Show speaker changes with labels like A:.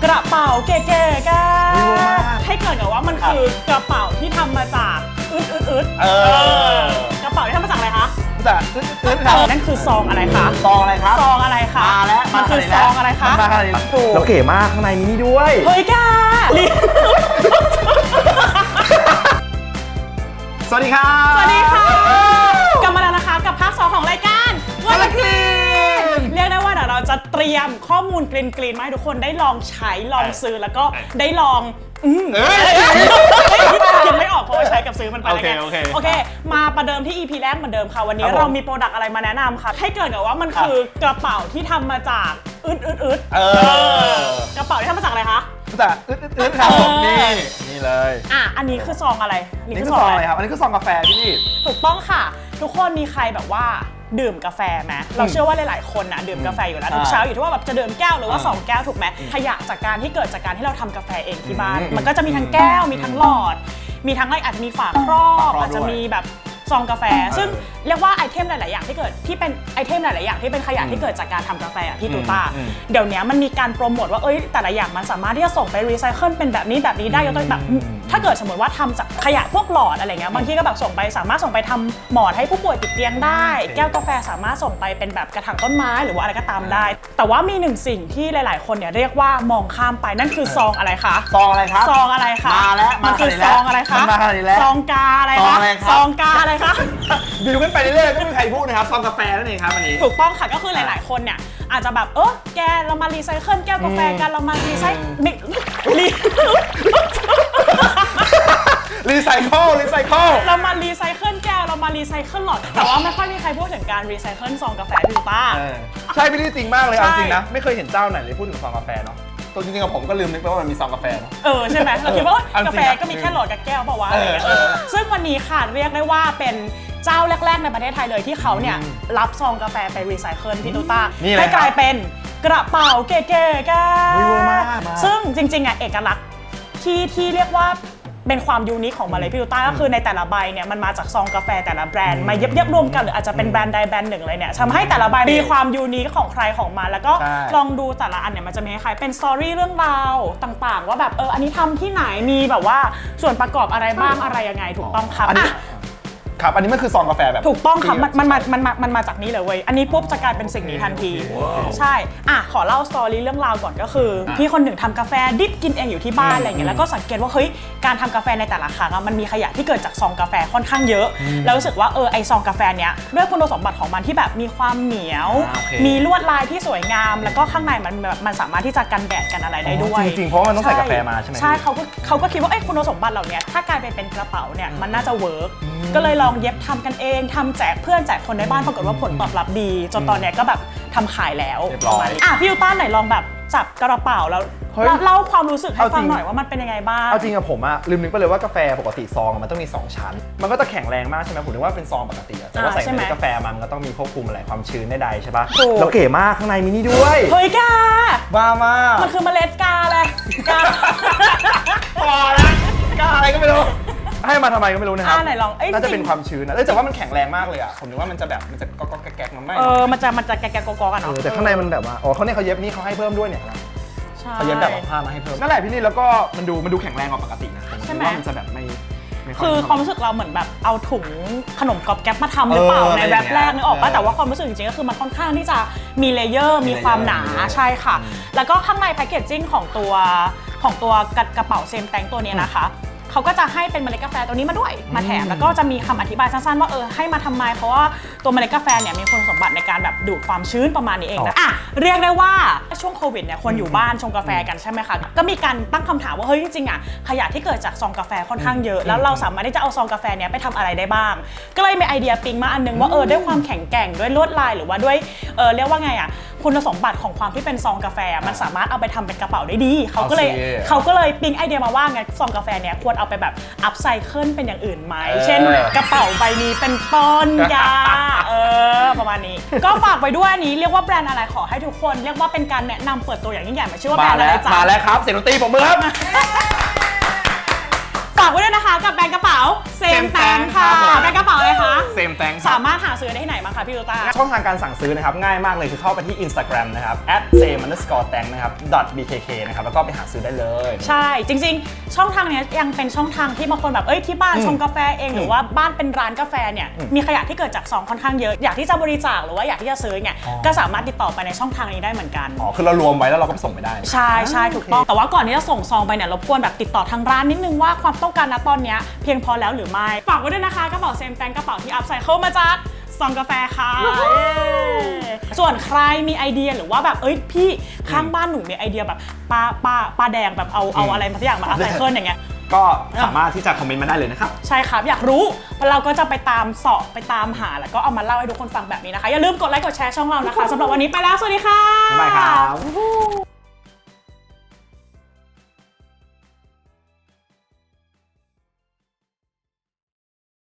A: กระเป๋าเก๋ๆกันให้เกิดกับว่ามันคือกระเป๋าที่ทำมาจากอึดกระเป๋าที่ทำมาจากอะไรคะ
B: แต่
A: นั่นคือซองอะไรคะ
B: ซองอะไรครับ
A: ซองอะไรคะ
B: มาแล้ว
A: มันคือซองอะไรคะ
B: มาขนาดนี้แล้วเก๋มากข้างในมีนี่ด้วย
A: เฮ้ยกา
B: สวัสดีครับ
A: สวัสดีค่ะกลับมาแล้วนะคะกับภาค2ของรายการวันละคลีนเรียกได้ว่าเดี๋ยวเราจะเตรียมข้อมูลกรีนๆมาให้ทุกคนได้ลองใช้ลองซื้อแล้วก็ได้ลองคิดไม่ออกเพราะว่าใช้กับซื้อมันไปแล้วไงโอเคมาประเดิมที่ EP แรกเหมือนเดิมค่ะวันนี้เรามีโปรดักต์อะไรมาแนะนำค่ะให้เกิดกับว่ามันคือกระเป๋าที่ทำมาจากกระเป๋าที่ทำมาจากอะไรคะ
B: แต่ครับนี่เลย
A: อันนี้คือซองอะไร
B: นี่คือซองอะไรครับอันนี้คือซองกาแฟพี่
A: ถูกต้องค่ะทุกคนมีใครแบบว่าดื่มกาแฟไหมเราเชื่อว่าหลายๆคนนะดื่มกาแฟอยู่แล้วทุกเช้าอยู่ที่ว่าแบบจะดื่มแก้วหรือว่า2แก้วถูกไหมขยะจากการที่เกิดจากการที่เราทำกาแฟเองที่บ้านมันก็จะมีทั้งแก้วมีทั้งหลอดมีทั้งอะไรอาจจะมีฝาครอบอาจจะมีแบบซองกาแฟซึ่งเรียกว่าไอเทมหลายๆอย่างที่เกิดที่เป็นไอเทมหลายๆอย่างที่เป็นขยะที่เกิดจากการทำกาแฟพี่ตูต้าเดี๋ยวนี้มันมีการโปรโมทว่าแต่ละอย่างมันสามารถที่จะส่งไปรีไซเคิลเป็นแบบนี้ได้ยกตัวแบบถ้าเกิดสมมติว่าทำจากขยะพวกหลอดอะไรเงี้ยบางทีก็แบบสามารถส่งไปทำหมอนให้ผู้ป่วยติดเตียงได้แก้วกาแฟสามารถส่งไปเป็นแบบกระถางต้นไม้หรือว่าอะไรก็ตามได้แต่ว่ามีหนึ่งสิ่งที่หลายๆคนเนี่ยเรียกว่ามองข้ามไปนั่นคือซองอะไรคะ
B: ซองอะไรครับ
A: ซองอะไรคะ
B: มาแล้ว
A: มันคือซองอะไรคะซองกาอะไรคะซองกาอะไรคะ
B: บิวกันไปเรื่อยๆก็มีใครพูดนะครับซองกาแฟนั่นเองครับอันนี้
A: ถูกต้องค่ะก็คือหลายๆคนเนี่ยอาจจะแบบแกเรามารีไซเคิลแก้วกาแฟกันเรามารีไซเคิลเรามารีไซเคิลแก้วเรามารีไซเคิลหลอดแต่ว่าไม่ค่อยมีใครพูดถึงการรีไซเคิลซองกาแฟพี่ป้า
B: ใช่พี่ลี่จริงมากเลยจริงนะไม่เคยเห็นเจ้าไหนเลยพูดถึงซองกาแฟเนาะตัวจริงๆกับผมก็ลืมนึกไปว่ามันมีซองกาแฟเนาะ
A: ใช่ไหมเราคิดว่ากาแฟก็มีแค่หลอดกับแก้วเปล่าวะซึ่งวันนี้ค่ะเรียกได้ว่าเป็นเจ้าแรกๆในประเทศไทยเลยที่เขาเนี่ยรับซองกาแฟไปรีไซเคิลพี่ตูต้าให้กลายเป็นกระเป๋าเก๋ๆกันซึ่งจริงๆเอกลักษณ์ที่เรียกว่าเป็นความยูนิคของมาเลยพี่ตูต้าก็คือในแต่ละใบเนี่ยมันมาจากซองกาแฟแต่ละแบรนด์มาเย็บรวมกันหรืออาจจะเป็นแบรนด์ใดแบรนด์หนึ่งเลยเนี่ยทำให้แต่ละใบมีความยูนิคของใครของมันแล้วก็ลองดูแต่ละอันเนี่ยมันจะมีคล้ายเป็นสตอรี่เรื่องราวต่างๆว่าแบบอันนี้ทำที่ไหนมีแบบว่าส่วนประกอบอะไรบ้างอะไรยังไงถูกต้องครับ
B: ครับอันนี้มันคือซองกาแฟแบบ
A: ถูกต้องครับมันมาจากนี้เลยเว้ยอันนี้ปุ๊บจะกลายเป็นสิ่งนี้ทันทีใช่ขอเล่าสตอรี่เรื่องราวก่อนก็คือพี่คนหนึ่งทำกาแฟดิบกินเองอยู่ที่บ้านอะไรเงี้ยแล้วก็สังเกตว่าเฮ้ยการทำกาแฟในแต่ละครั้งมันมีขยะที่เกิดจากซองกาแฟค่อนข้างเยอะแล้วรู้สึกว่าไอซองกาแฟเนี้ยด้วยคุณสมบัติของมันที่แบบมีความเหนียวมีลวดลายที่สวยงามแล้วก็ข้างในมันสามารถที่จะกันแดดกันอะไรได้ด้วย
B: จริงๆเพราะมันต้องใส่กาแฟมาใช่ไหม
A: ใช่เขาก็คิดว่าคุณสมบัติเหล่านี้ถ้ากลายเป็นกระเป๋าเนี่ยมันน่าจะเวิร์กก็เลยลองเย็บทำกันเองทำแจกเพื่อนแจกคนในบ้านปรากฏว่าผลตอบรับดีจนตอนนี้ก็แบบทำขายแล้วพี่ยูต้าไหนลองแบบจับกระเป๋าแล้วเล่าความรู้สึกให้ฟังหน่อยว่ามันเป็นยังไงบ้าง
B: เอาจริงอะผมอะลืมนึกไปเลยว่ากาแฟปกติซองมันต้องมี2ชั้นมันก็จะแข็งแรงมากใช่ไหมผมนึกว่าเป็นซองปกติแต่ว่าใส่ในกาแฟมันก็ต้องมีควบคุมอะไรความชื้นใดๆใช่ปะแล้วเก๋มากข้างในมีนี่ด้วย
A: เฮ้ยกา
B: บ้ามาก
A: มันคือเมล็ดกาเลยกา
B: พอแล้วกาอะไรก็ไม่รู้ให้มาทำไมก็ไม่รู้นะครับ
A: ไหนลอง
B: น่าจะเป็นความชื้นนะแต่ว่ามันแข็งแรงมากเลยอ่ะผมนึกว่ามันจะก๊อกแก๊กมันไม่
A: มันจะแก๊กก๊อกกันเนาะ
B: แต่ข้างในมันแบบว่าเขาเย็บนี่เขาให้เพิ่มด้วยเนี่ยเขาเย็บแบบผ้ามาให้เพิ่มนั่นแหละพี่ลี่แล้วก็มันดูแข็งแรงกว่าปกตินะใช่ไหมมันจะแบบไม่
A: คือความรู้สึกเราเหมือนแบบเอาถุงขนมก๊อบแก๊บมาทำหรือเปล่าในแรปแรกนึกออกป่ะแต่ว่าความรู้สึกจริงๆก็คือมันค่อนข้างที่จะมีเลเยอร์มีความหนาใช่ค่ะแล้วก็ข้างในแพคเกจจิ้งของตัวกระเป๋าเซมแตงตัวนี้นะคะเขาก็จะให้เป็นเมล็ดกาแฟตัวนี้มาด้วยมาแถมแล้วก็จะมีคำอธิบายสั้นๆว่าให้มาทำไมเพราะว่าตัวเมล็ดกาแฟเนี่ยมีคุณสมบัติในการแบบดูดความชื้นประมาณนี้เองนะเรียกได้ว่าช่วงโควิดเนี่ยคนอยู่บ้านชงกาแฟกันใช่ไหมคะก็มีการตั้งคำถามว่าเฮ้ยจริงๆขยะที่เกิดจากซองกาแฟค่อนข้างเยอะแล้วเราสามารถที่จะเอาซองกาแฟเนี่ยไปทำอะไรได้บ้างก็เลยมีไอเดียปิ๊งมาอันนึงว่าด้วยความแข็งแกร่งด้วยลวดลายหรือว่าด้วยเรียกว่าไงคุณสมบัติของความที่เป็นซองกาแฟมันสามารถเอาไปทำเป็นกระเป๋าได้ดีเขาก็เลยปิ๊งไอเดียมาว่าไงซองกาแฟเนี่ยควรเอาไปแบบอัพไซเคิลเป็นอย่างอื่นไหมเช่นกระเป๋าใบนี้เป็นต้นยาประมาณนี้ก็ฝากไว้ด้วยอันนี้เรียกว่าแบรนด์อะไรขอให้ทุกคนเรียกว่าเป็นการแนะนำเปิดตัวอย่างยิ่งใหญ่มาชื่อว่าแบรนด์อะไรจ๊ะ
B: มาแล้วครับเสียงดนตรีผมมือครับ
A: ฝากไว้ด้วยนะคะกับแบรนด์กระเป๋าเซมแตงค่ะแบรนด์กระเป๋าอะไรคะ
B: เซมแตง
A: สามารถหาซื้อได้ที่ไหนบ้างคะพี่ลูต้า
B: ช่องทางการสั่งซื้อนะครับง่ายมากเลยคือเข้าไปที่ Instagram นะครับ @same_tang นะครับ .bkk นะครับแล้วก็ไปหาซื้อได้เลย
A: ใช่จริงๆช่องทางนี้ยังเป็นช่องทางที่บางคนแบบที่บ้านชงกาแฟเองหรือว่าบ้านเป็นร้านกาแฟเนี่ยมีขยะที่เกิดจากซองค่อนข้างเยอะอยากที่จะบริจาคหรือว่าอยากที่จะซื้อเนี่ยก็สามารถติดต่อไปในช่องทางนี้ได้เหมือนกัน
B: คือเรารวมไว้แล้วเราก็ส่งไปได้
A: ใช่ถูกต้องแต่ว่าก่อนที่จะส่งซองไปเนี่ยรบกวนแบบติดต่อทางร้านนิดนึงว่าความต้องการณตอนนี้เพียงพอแล้วหรือไม่ฝากไว้ด้วยนะคะกระเป๋าเซมแตงกระเป๋าที่อัพไซเคิลมาจากซองกาแฟค่ะส่วนใครมีไอเดียหรือว่าแบบพี่ข้างบ้านหนูมีไอเดียแบบปลาแดงแบบเอาอะไรมาสักอย่างมาอัพไซเคิลอย่างเงี้ย
B: ก็สามารถที่จะคอมเมนต์มาได้เลยนะครับ
A: ใช่ครับอยากรู้เพราะเราก็จะไปตามเสาะไปตามหาแล้วก็เอามาเล่าให้ทุกคนฟังแบบนี้นะคะอย่าลืมกดไลค์กดแชร์ช่องเรานะคะสำหรับวันนี้ไปแล้วสวัสดีค่ะ
B: บ๊ายบายครับ